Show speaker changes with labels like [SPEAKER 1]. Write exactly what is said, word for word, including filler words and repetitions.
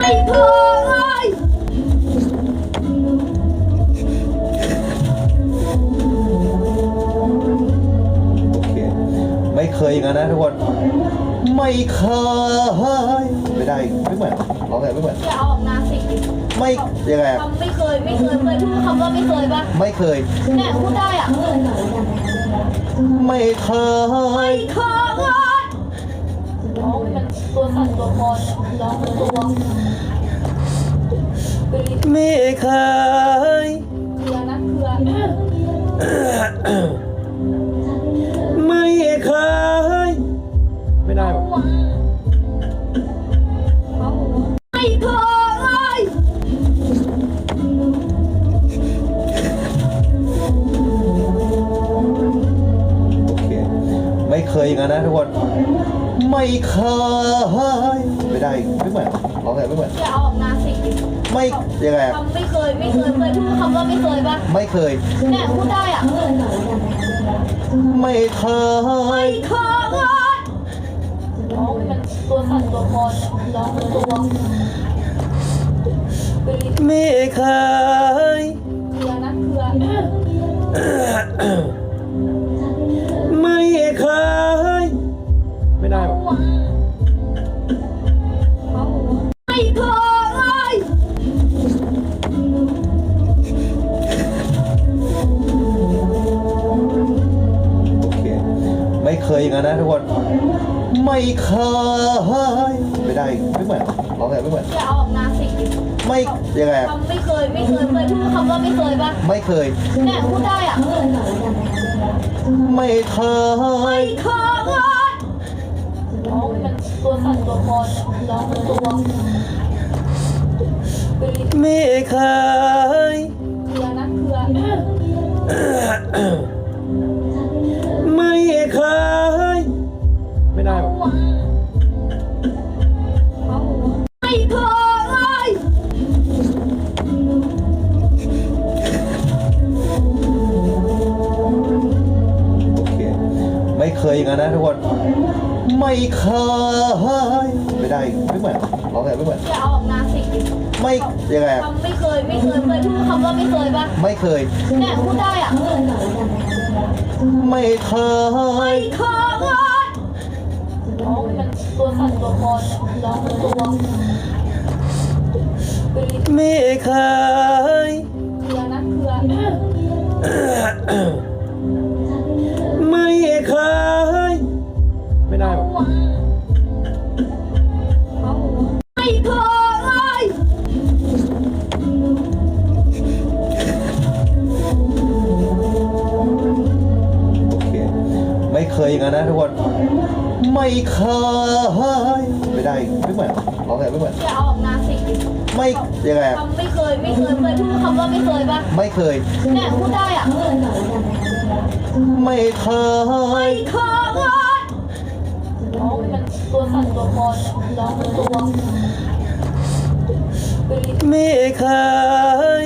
[SPEAKER 1] เคย
[SPEAKER 2] โอเคไม่เคยอย่างนั้นนะทุกคนไม่เคยไม่ได้ไม่เหมือนร้องไงไม่เหมือน
[SPEAKER 1] อย่าเอาออกนาสิ
[SPEAKER 2] ไม่ยังไงอะ
[SPEAKER 1] คำไม่เคยไม่เคยเคยพูดคำว่าไม่เคยปะ
[SPEAKER 2] ไม่เคย
[SPEAKER 1] เนี่ยพูดได้อ่ะ
[SPEAKER 2] ไม่เคย
[SPEAKER 1] ไม่เคยร้องมันตัวสั่นตัวคอนร้องตัว
[SPEAKER 2] ไม่เคย
[SPEAKER 1] เครือนะเครือ
[SPEAKER 2] ไม่เคยไม่ได้หรอ
[SPEAKER 1] ไม่เคย
[SPEAKER 2] โอเคไม่เคยอย่างนั้นนะทุกคนไม่เคยไม่ได้ไม่เหมือนร้องไงไม่เหมือน
[SPEAKER 1] อย่าเอาออกนาสิ
[SPEAKER 2] ไม่ยังไงอะ
[SPEAKER 1] คำไม่เคยไม่เคยเคยพูดคำว่าไม่เคยปะ
[SPEAKER 2] ไม่เคย
[SPEAKER 1] เนี่ยพูดได้อ่ะ
[SPEAKER 2] ไม่เค
[SPEAKER 1] ไม่
[SPEAKER 2] ย
[SPEAKER 1] เคยร้องมันตัวสั่นตัวคอนร้องตัว
[SPEAKER 2] ไม่เคย
[SPEAKER 1] เครือนะเครือ
[SPEAKER 2] ไม่เคยไม่ได้หรอ
[SPEAKER 1] ไม่เคย
[SPEAKER 2] โอเคไม่เคยอย่างนั้นนะทุกคนไม่เคยไม่ได้ไม่เหมือนร้องไงไม่เหมือน
[SPEAKER 1] อย่าเอาออกนาสิ
[SPEAKER 2] ไม่ยังไงอะ
[SPEAKER 1] คำไม่เคยไม่เคยเคยพูดคำว่าไม่เคยปะ
[SPEAKER 2] ไม่เคย
[SPEAKER 1] เนี่ยพูดได้อ่ะ
[SPEAKER 2] ไม่เค
[SPEAKER 1] ไม่
[SPEAKER 2] ย
[SPEAKER 1] เคยร้องมันตัวสั่นตัวคอนร้องตัว
[SPEAKER 2] ไม่เคย
[SPEAKER 1] เครือนะเครือ
[SPEAKER 2] ไม่เคยไม่ได้หรอ
[SPEAKER 1] ไม่เคย
[SPEAKER 2] โอเคไม่เคยอย่างนั้นนะทุกคนไม่เคยไม่ได้ไม่เหมือนร้องไงไม่เหมือน
[SPEAKER 1] อย่าเอาออกนาสิ
[SPEAKER 2] ไม่ยังไงอะ
[SPEAKER 1] คำไม่เคยไม่เคยเคยพูดคำว่าไม่เคยปะ
[SPEAKER 2] ไม่เคย
[SPEAKER 1] เนี่ยพูดได้อ่ะ
[SPEAKER 2] ไม่เค
[SPEAKER 1] ไม่
[SPEAKER 2] ย
[SPEAKER 1] เคยร้องมันตัวสั่นตัวคอนร้องตัว
[SPEAKER 2] ไม่เคย
[SPEAKER 1] เครือนะเครือ
[SPEAKER 2] ไม่เคยไม่ได้หรอ
[SPEAKER 1] ไม่เคย
[SPEAKER 2] โอเคไม่เคยอย่างนั้นนะทุกคนไม่เคยไม่ได้ไม่เหมือนร้องไงไม่เหมือน
[SPEAKER 1] อย่าเอาออกนาสิ
[SPEAKER 2] ไม่ยังไงอะ
[SPEAKER 1] คำไม่เคยไม่เคยเคยพูดคำว่าไม่เคยปะ
[SPEAKER 2] ไม่เคย
[SPEAKER 1] เนี่ยพูดได้อ่ะ
[SPEAKER 2] ไม่เค
[SPEAKER 1] ไม่
[SPEAKER 2] ย
[SPEAKER 1] เคยร้องมันตัวสั่นตัวคอนร้องตัว
[SPEAKER 2] ไม่เคย